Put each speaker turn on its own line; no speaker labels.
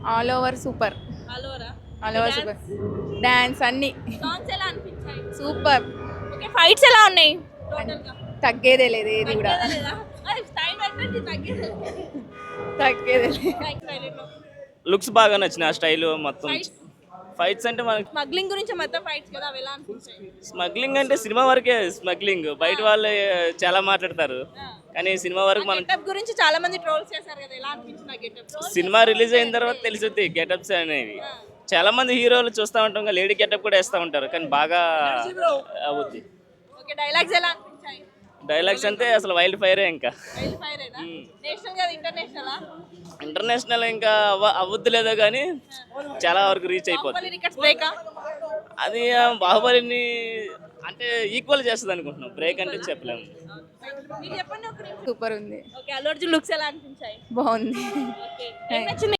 All over super.
All ఓవరా?
All over super. Dance అన్ని
songs ఎలా అనిపించాయి?
సూపర్.
ఓకే, ఫైట్స్ ఎలా ఉన్నాయి టోటల్‌గా?
తగ్గేదే లేదు ఏది కూడా.
తగ్గేదే లేదా? అది టైం పెట్టండి, తగ్గేదే లేదు.
తగ్గేదే లేదు.
థాంక్స్ హైలైట్‌లో.
లుక్స్ బాగా నచ్చిన ఆ స్టైల్ మొత్తం.
ఫైట్స్
ఫైట్స్ అంటే మనకి
స్మగ్లింగ్ గురించి మొత్తం ఫైట్స్ కదా, అవి ఎలా అనిపించాయి?
స్మగ్లింగ్ అంటే సినిమా వరకే స్మగ్లింగ్, బయట వాళ్ళు చాలా మాట్లాడతారు కానీ సినిమా వరకు మనం
గెటప్ గురించి చాలా మంది ట్రోల్స్ చేశారు కదా, ఎలా అనిపించింది ఆ గెటప్?
సినిమా రిలీజ్ అయిన తర్వాత తెలిసింది గెటప్స్ అనేవి. చాలా మంది హీరోలు చూస్తూ ఉంటాం, లేడీ గెటప్ కూడా వేస్తూ ఉంటారు కానీ బాగా అవుద్ది.
ఓకే, డైలాగ్స్ ఎలా అనిపించాయి?
డైలాగ్స్ అంటే అసలు వైల్డ్ ఫైరే. ఇంకా
వైల్డ్ ఫైరేనా? నేషనల్ కదా ఇంటర్నేషనలా?
ఇంటర్నేషనల్ ఇంకా అవ్వద్దు లేదో కానీ చాలా వరకు రీచ్ అయిపోద్ది.
బాహుబలి రికార్డ్స్ బ్రేకా?
అది బాహుబలిని అంటే ఈక్వల్ చేస్తుంది అనుకుంటున్నాం, బ్రేక్ అంటే చెప్పలేము.
మీరు చెప్పండి ఒక నిమిషం.
సూపర్ ఉంది.
ఓకే, అల్లు అర్జున్ లుక్స్ ఎలా అనిపించాయి?
బాగుంది.
ఓకే, ఏం నచ్చింది?